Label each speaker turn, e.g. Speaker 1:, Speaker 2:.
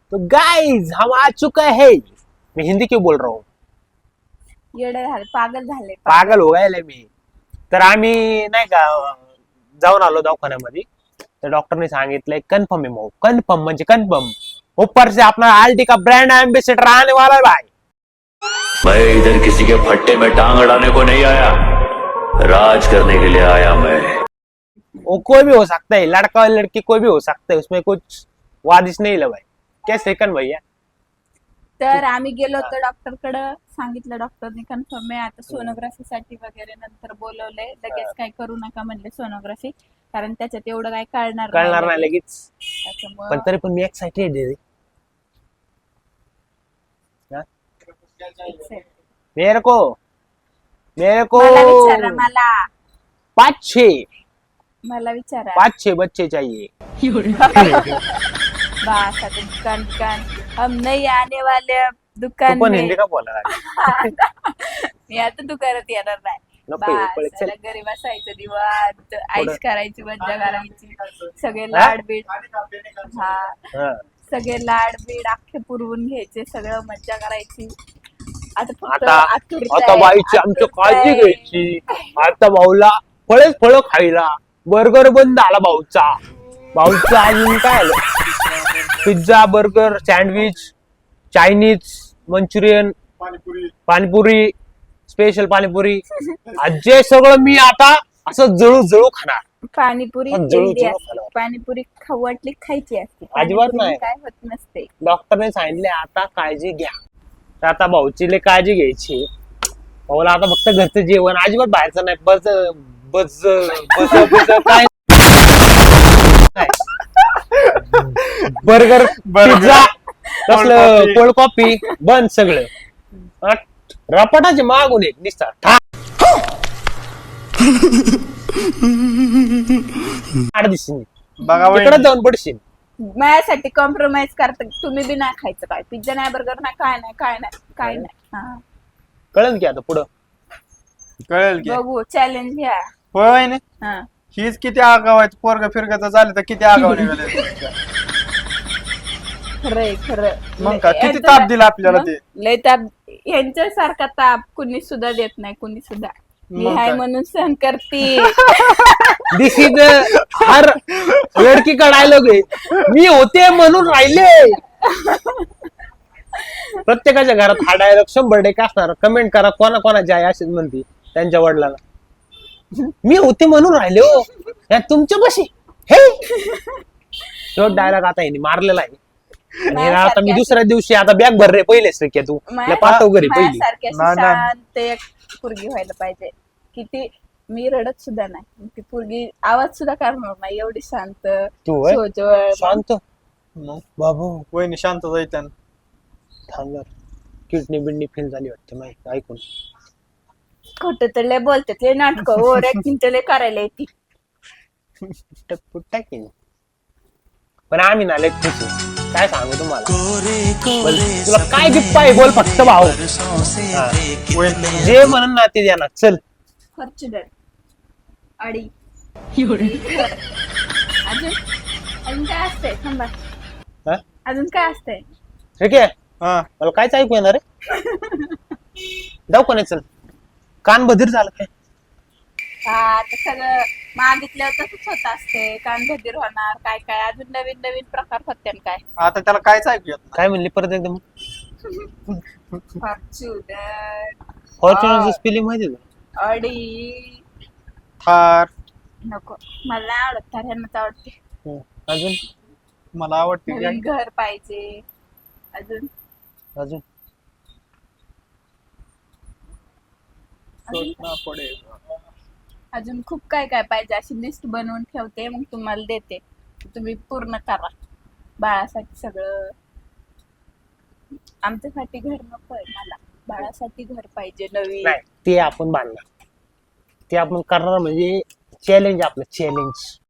Speaker 1: तो गाइस हम आ चुका है। मैं हिंदी क्यों बोल रहा हूँ,
Speaker 2: येडे झाले, पागल झाले.
Speaker 1: पागल हो गए मी. तर आम्ही नाही का जाऊन आलो दवाखान्यामध्ये. तर डॉक्टरने सांगितलंय कन्फर्म आहे भाऊ, कन्फर्म म्हणजे कन्फर्म. ऊपर से अपना आल्टी का ब्रांड एम्बेसडर आने वाला है भाई.
Speaker 3: मैं इधर किसी के फट्टे में टांग अड़ाने को नहीं आया, राज करने के लिए आया मैं.
Speaker 1: वो कोई भी हो सकता है, लड़का और लड़की कोई भी हो सकता है, उसमें कुछ वादिश नहीं है भाई. क्या सेकंड भैया.
Speaker 2: तर आम्ही गेलो होतो डॉक्टरकडे, सांगितलं डॉक्टरने कन्फर्म आहे. आता सोनोग्राफी साठी वगैरे नंतर बोलवलंय. लगेच काय करू नका म्हणले सोनोग्राफी, कारण त्याच्यात एवढं काय
Speaker 1: कळणार नाही लगेच.
Speaker 2: त्याच्यामुळं
Speaker 1: पण तरी पण मी एक्साइटेड आहे.
Speaker 2: excited.
Speaker 1: मेरे को
Speaker 2: मला विचारा, मला विचारा.
Speaker 1: 5-6 बच्चे चाहिए.
Speaker 2: बस आता दुकान हम नहीं आने वाले अब
Speaker 1: तू
Speaker 2: दुकान
Speaker 1: पण
Speaker 2: में.
Speaker 1: हिंदी का बोलायला लागली?
Speaker 2: मी आता दुकानात येणार नाही.
Speaker 1: नको येऊ, पळ,
Speaker 2: बस
Speaker 1: चल.
Speaker 2: आता घरी बसायचं, निवांत आईश
Speaker 1: पुढं.
Speaker 2: करायची, मज्जा करायची, सगळे लाड बीड. हा,
Speaker 1: हा.
Speaker 2: सगळे लाड बीड अख्खे पुरवून घ्यायचे, सगळं मज्जा करायची. आता फक्त
Speaker 1: आता
Speaker 2: आतुरता
Speaker 1: आता
Speaker 2: आहे,
Speaker 1: बाईची आमची
Speaker 2: आतुरता
Speaker 1: काळजी
Speaker 2: आहे.
Speaker 1: घ्यायची. आता भाऊला फळ खायला. बर्गर बंद आला भाऊचा अजून काय आलं, pizza, burger, sandwich, Chinese, Manchurian, panipuri, special panipuri. जे सगळं मी आता असं जळू खाणार.
Speaker 2: पाणीपुरी
Speaker 1: पण जळू
Speaker 2: हेल्दी
Speaker 1: जळू
Speaker 2: असते.
Speaker 1: खाणार.
Speaker 2: पाणीपुरी खाऊ वाटली खायची असते.
Speaker 1: अजिबात
Speaker 2: पाणीपुरी
Speaker 1: नाही.
Speaker 2: काय होत नसते.
Speaker 1: डॉक्टरने सांगितले आता काळजी घ्या. तर आता भाऊची लय काळजी घ्यायची. भाऊला आता फक्त घरचं जेवण, अजिबात बाहेरचं नाही. बस बस बस काय बर्गर, पिझ्झा, तसलं कोल्ड कॉफी बंद सगळं. रपाटाचे मागून एक निसता
Speaker 4: बघा
Speaker 1: तिकडे
Speaker 4: वहिनी,
Speaker 1: जाऊन पडशील.
Speaker 2: माझ्यासाठी कॉम्प्रोमाइज करता. तुम्ही बी नाही खायचं, काय पिझ्झा नाही, बर्गर नाही, काय नाही. हा.
Speaker 1: कळलं की आता पुढं.
Speaker 4: कळेल की
Speaker 2: बघू, चॅलेंज घ्या.
Speaker 4: होय वहिनी,
Speaker 2: हा.
Speaker 4: हीच किती आगाव आहे. पोरग फिरगाचं झालं तर किती आगाव निघाले.
Speaker 2: खरं
Speaker 4: मग का किती ताप दिला आपल्याला ते.
Speaker 2: लय ताप. यांच्यासारखा ताप कुणी सुद्धा देत नाही, कुणी सुद्धा. मी
Speaker 4: मग
Speaker 2: हाय
Speaker 4: काय?
Speaker 2: म्हणून सहन करते.
Speaker 1: दिस इज हर लडकी का डायलॉग आहे. मी होते म्हणून राहिले. प्रत्येकाच्या घरात हा डायलॉग 100% असणार. कमेंट करा कोणाची आहे अशीच म्हणते त्यांच्या वडिलांना. मी होते म्हणून राहिले हो या तुमच्या बशी हे. तो डायलॉग आता हिने मारलेला आहे. आणि आता मी दुसऱ्या दिवशी आता बॅग भर रे पहिलेच रे तू पाठव घरी पहिली.
Speaker 2: माझ्यासारखी अशी
Speaker 4: नाही, नाही.
Speaker 2: शांत एक पोरगी व्हायला पाहिजे. किती मी रडत सुद्धा नाही, ती पोरगी आवाज सुद्धा करणार नाही, एवढी शांत,
Speaker 1: तू होय?
Speaker 2: सोजवळ.
Speaker 1: शांत
Speaker 4: मग
Speaker 1: बाबू
Speaker 4: वहिनी शांत जायचं.
Speaker 1: थांब. किडनी बिडनी फेल झाली वाटते माहिती ऐकून.
Speaker 2: खोटं तर लय बोलतात, लय नाटक ओर ऍक्टिंग तर लय करायला येते.
Speaker 1: टाकीन. पण आम्ही ना लय खुश आहे. काय सांगू तुम्हाला. बोल, तुला काय गिफ्ट पाहिजे बोल फक्त भाऊ. हा.
Speaker 4: वहिनी
Speaker 1: जे म्हणून ना ते द्या. चल
Speaker 2: फॉर्च्युनर अडी. अजून काय असतंय, थांबा.
Speaker 1: हा?
Speaker 2: अजून काय असतंय.
Speaker 1: ठीक आहे.
Speaker 4: हा
Speaker 1: मला कायच ऐकू येणार रे. दवाखान्यात चल. कान बधीर झालं काय.
Speaker 2: हा, आता सगळं मागितलं तसंच होत असते. कान बधीर होणार, काय काय अजून नवीन नवीन प्रकार होते काय.
Speaker 4: आता त्याला कायच ऐकू येत
Speaker 1: काय म्हणली परत एकदम.
Speaker 2: फॉर्च्युनर
Speaker 1: फॉर्च्युनरचं स्पेलिंग माहिती आहे
Speaker 2: अडी.
Speaker 4: नाही. थार
Speaker 2: नको, मला नाही आवडत. तर ह्यांनाच आवडते.
Speaker 1: का. अजून
Speaker 4: मला आवडते.
Speaker 2: नवीन घर पाहिजे. अजून
Speaker 1: अजून
Speaker 2: अजून खूप काय काय पाहिजे, अशी लिस्ट बनवून ठेवते, मग तुम्हाला देते. तुम्ही पूर्ण करा. बाळासाठी सगळं. आमच्यासाठी घर नकोय मला, बाळासाठी घर पाहिजे नवीन.
Speaker 1: नाही ते आपण बांधणार. ते आपण करणार म्हणजे चॅलेंज आपलं चॅलेंज.